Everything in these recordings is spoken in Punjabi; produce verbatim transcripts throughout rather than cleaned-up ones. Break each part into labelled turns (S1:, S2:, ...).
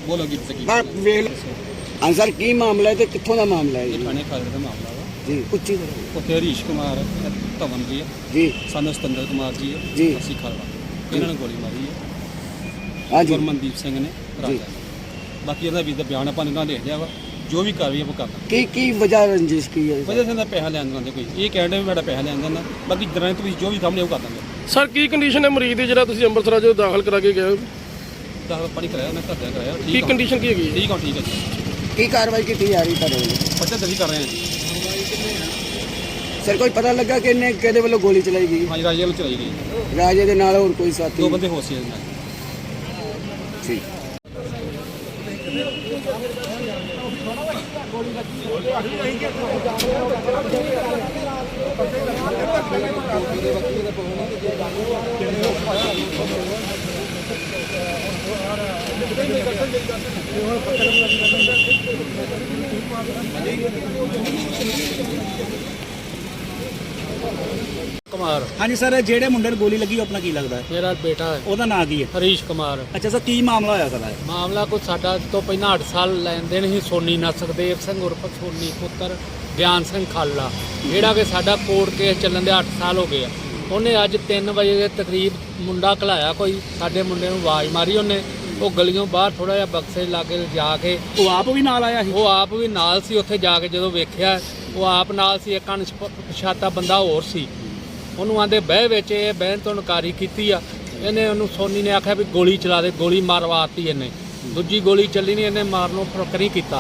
S1: बोलो कि सकी
S2: हाँ सर की मामला है तो कितों का मामला है?
S1: ये थाने खालड़ का मामला वा
S2: जी उच्ची तरह
S1: उत्थे हरीश कुमार धवन जी है
S2: जी
S1: सन सतिंदर कुमार जी है
S2: जी
S1: अस्सी खालड़ा इन्होंने गोली मारी है
S2: हाँ जी
S1: गुरमनदीप सिंह ने राजा बाकी ਇਹਦਾ ਵੀ ਦਾ ਬਿਆਨ ਆਪਾਂ ਇਹਨਾਂ ਲਿਖ ਲਿਆ ਵਾ ਜੋ ਵੀ ਕਾਰਵਾਈ ਆਪਾਂ ਕਰਨਾ
S2: की की वजह रंजिश की है?
S1: ਵਜ੍ਹਾ ਸਿੰਘ ਦਾ ਪੈਸਾ ਲੈਣ ਦਿੰਦੇ ਕੋਈ ਇਹ ਕਹਿੰਦੇ ਵੀ ਮੇਰਾ ਪੈਸਾ ਲੈਣ ਦਿੰਦਾ ਬਾਕੀ ਜਰਾਂ ਤੁਸੀਂ ਜੋ ਵੀ ਸਾਹਮਣੇ ਉਹ ਕਰ ਦਾਂਗੇ
S3: ਸਰ ਕੀ ਕੰਡੀਸ਼ਨ ਹੈ ਮਰੀਜ਼ ਦੀ ਜਿਹੜਾ ਤੁਸੀਂ ਅੰਮ੍ਰਿਤਸਰ ਅੱਜ ਦਾਖਲ ਕਰਾ ਕੇ ਗਏ ਹੋ?
S1: ਦਾਖਲ ਪਾਣੀ ਕਰਾਇਆ ਉਹਨੇ ਘਰਦਿਆਂ ਕਰਾਇਆ
S3: ਕੀ
S1: ਠੀਕ ਆ
S3: ਕੰਡੀਸ਼ਨ ਕੀ ਹੈਗੀ ਹੈ?
S1: ਠੀਕ ਆ ਠੀਕ ਆ ਜੀ
S2: की कार्रवाई की जा रही है?
S1: ਬੱਚਾ ਦਰਜ ਕਰ ਰਹੇ ਹਾਂ ਜੀ
S2: सर कोई पता लगा कि इन्हें कहते वालों गोली चलाई गई?
S1: ਹਾਂਜੀ ਰਾਜੇ ਵੱਲੋਂ ਚਲਾਈ ਗਈ
S2: राजे के नाल और कोई साथी?
S1: ਦੋ ਬੰਦੇ ਹੋਸੀ ਨਾਲ
S2: ठीक
S4: कुमार
S5: हाँ जी सर जेड़े मुंडे नूं गोली लगी अपना की लगता है?
S4: मेरा बेटा है
S5: ਉਹਦਾ ਨਾਂ ਕੀ ਹੈ?
S4: हरीश कुमार।
S5: ਅੱਛਾ ਸਰ ਕੀ ਮਾਮਲਾ ਹੋਇਆ ਸਰ?
S4: ਮਾਮਲਾ ਕੋਈ ਸਾਡਾ ਤੋਂ ਪਹਿਲਾਂ ਅੱਠ ਸਾਲ ਲੈਣ ਦੇਣ ਹੀ ਸੋਨੀ ਨਾ ਸੁਖਦੇਵ ਸਿੰਘ ਉਰਫ ਸੋਨੀ ਪੁੱਤਰ ਗਿਆਨ ਸਿੰਘ ਖਾਲਾ ਜਿਹੜਾ ਕਿ ਸਾਡਾ ਕੋਰਟ ਕੇਸ ਚੱਲਣ ਦੇ ਅੱਠ ਸਾਲ ਹੋ ਗਏ ਆ। ਉਹਨੇ ਅੱਜ ਤਿੰਨ ਵਜੇ ਦੇ ਤਕਰੀਬ ਮੁੰਡਾ ਘਲਾਇਆ ਕੋਈ ਸਾਡੇ ਮੁੰਡੇ ਨੂੰ ਆਵਾਜ਼ ਮਾਰੀ ਉਹਨੇ ਉਹ ਗਲੀਓਂ ਬਾਹਰ ਥੋੜਾ ਜਿਹਾ ਬਕਸੇ ਲਾਗੇ ਜਾ ਕੇ
S5: ਉਹ ਆਪ ਵੀ ਨਾਲ ਆਇਆ ਸੀ?
S4: ਉਹ ਆਪ ਵੀ ਨਾਲ ਸੀ ਉੱਥੇ ਜਾ ਕੇ ਜਦੋਂ ਵੇਖਿਆ ਉਹ ਆਪ ਨਾਲ ਸੀ ਇੱਕ ਅਣਪਛਾਤਾ ਬੰਦਾ ਹੋਰ ਸੀ ਉਹਨੂੰ ਆਂਦੇ ਬਹਿ ਵਿੱਚ ਇਹ ਬਹਿਣ ਤੋਂ ਇਨਕਾਰੀ ਕੀਤੀ ਆ ਇਹਨੇ ਉਹਨੂੰ ਸੋਨੀ ਨੇ ਆਖਿਆ ਵੀ ਗੋਲੀ ਚਲਾ ਦੇ ਗੋਲੀ ਮਾਰਵਾਤੀ ਇਹਨੇ ਦੂਜੀ ਗੋਲੀ ਚੱਲੀ ਨਹੀਂ ਇਹਨੇ ਮਾਰਨੋਂ ਫਰਕ ਨਹੀਂ ਕੀਤਾ।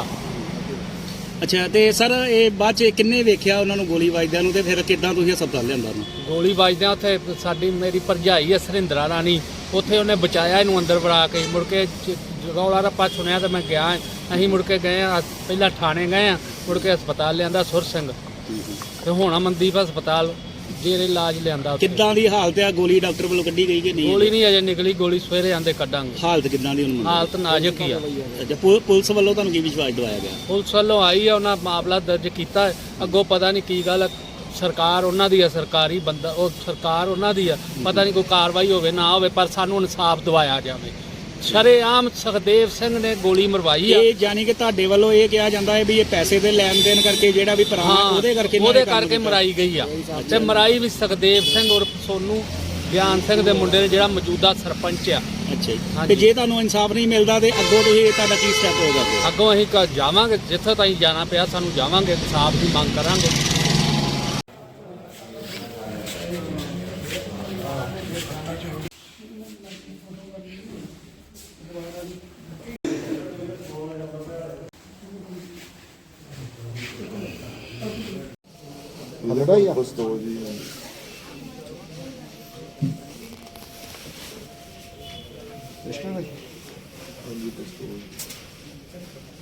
S5: ਅੱਛਾ ਤੇ ਸਰ ਇਹ ਬਾਅਦ ਚ ਕਿੰਨੇ ਵੇਖਿਆ ਉਹਨਾਂ ਨੂੰ ਗੋਲੀ ਵੱਜਦਿਆਂ ਨੂੰ ਤੇ ਫਿਰ ਕਿੱਦਾਂ ਤੁਸੀਂ ਹਸਪਤਾਲ ਲਿਆਂਦਾ ਉਹਨੂੰ?
S4: ਗੋਲੀ ਵੱਜਦਿਆਂ ਉੱਥੇ ਸਾਡੀ ਮੇਰੀ ਭਰਜਾਈ ਹੈ ਸਰਿੰਦਰਾ ਰਾਣੀ ਉੱਥੇ ਉਹਨੇ ਬਚਾਇਆ ਇਹਨੂੰ ਅੰਦਰ ਵੜਾ ਕੇ ਮੁੜ ਕੇ ਰੌਲਾ ਰੱਪਾ ਸੁਣਿਆ ਤਾਂ ਮੈਂ ਗਿਆ ਅਸੀਂ ਮੁੜ ਕੇ ਗਏ ਆ ਪਹਿਲਾਂ ਥਾਣੇ ਗਏ ਆ ਮੁੜ ਕੇ ਹਸਪਤਾਲ ਲਿਆਂਦਾ ਸੁਰ ਸਿੰਘ ਤੇ ਹੁਣ ਅਮਨਦੀਪ ਹਸਪਤਾਲ ਜੇਰੇ ਇਲਾਜ ਲਿਆਂਦਾ।
S5: ਕਿੱਦਾਂ ਦੀ ਹਾਲਤ ਆ? ਗੋਲੀ ਡਾਕਟਰ ਵੱਲੋਂ ਕੱਢੀ ਗਈ ਕਿ ਨਹੀਂ?
S4: ਗੋਲੀ ਨਹੀਂ ਅਜੇ ਨਿਕਲੀ ਗੋਲੀ ਸਵੇਰੇ ਆਂਦੇ ਕੱਢਾਂਗੇ।
S5: ਹਾਲਤ ਕਿੱਦਾਂ ਦੀ ਉਹਨੂੰ?
S4: ਹਾਲਤ ਨਾਜ਼ੁਕ ਹੀ ਆ।
S5: ਅੱਛਾ ਪੁ- ਪੁਲਿਸ ਵੱਲੋਂ ਤੁਹਾਨੂੰ ਕੀ ਵਿਸ਼ਵਾਸ ਦਿਵਾਇਆ ਗਿਆ?
S4: ਪੁਲਿਸ ਵੱਲੋਂ ਆਈ ਆ ਉਹਨਾਂ ਮਾਮਲਾ ਦਰਜ ਕੀਤਾ ਅੱਗੋਂ ਪਤਾ ਨਹੀਂ ਕੀ ਗੱਲ ਸਰਕਾਰ ਉਹਨਾਂ ਦੀ ਆ ਸਰਕਾਰੀ ਬੰਦਾ ਉਹ ਸਰਕਾਰ ਉਹਨਾਂ ਦੀ ਆ ਪਤਾ ਨਹੀਂ ਕੋਈ ਕਾਰਵਾਈ ਹੋਵੇ ਨਾ ਹੋਵੇ ਪਰ ਸਾਨੂੰ ਇਨਸਾਫ ਦਿਵਾਇਆ ਜਾਵੇ। ਸ਼ਰੇਆਮ ਸੁਖਦੇਵ ਸਿੰਘ ਨੇ ਗੋਲੀ ਮਰਵਾਈ ਆ।
S5: ਇਹ ਜਾਨੀ ਕਿ ਤੁਹਾਡੇ ਵੱਲੋਂ ਇਹ ਕਿਹਾ ਜਾਂਦਾ ਹੈ ਵੀ ਇਹ ਪੈਸੇ ਦੇ ਲੈਣ ਦੇਣ ਕਰਕੇ ਜਿਹੜਾ ਵੀ ਭਰਾ ਉਹਦੇ ਕਰਕੇ
S4: ਉਹਦੇ ਕਰਕੇ ਮਰਾਈ ਗਈ ਆ ਤੇ ਮਰਾਈ ਵੀ ਸੁਖਦੇਵ ਸਿੰਘ ਉਰਫ ਸੋਨੂ ਗਿਆਨ ਸਿੰਘ ਦੇ ਮੁੰਡੇ ਨੇ ਜਿਹੜਾ ਮੌਜੂਦਾ ਸਰਪੰਚ ਆ।
S5: ਅੱਛਾ ਜੀ ਤੇ ਜੇ ਤੁਹਾਨੂੰ ਇਨਸਾਫ ਨਹੀਂ ਮਿਲਦਾ ਤੇ ਅੱਗੋਂ ਤੁਸੀਂ ਤੁਹਾਡਾ ਕੀ ਸਟੈਪ ਹੋਗਾ?
S4: ਅੱਗੋਂ ਅਸੀਂ ਕ- ਜਾਵਾਂਗੇ ਜਿੱਥੇ ਤਾਈਂ ਜਾਣਾ ਪਿਆ ਸਾਨੂੰ ਜਾਵਾਂਗੇ ਇਨਸਾਫ ਦੀ ਮੰਗ ਕਰਾਂਗੇ।
S6: ਲੜਾਈ ਆ ਪਿਸਤੌਲ ਜੀ ਪਿਸਤੌਲ ਹਾਂਜੀ ਪਿਸਤੌਲ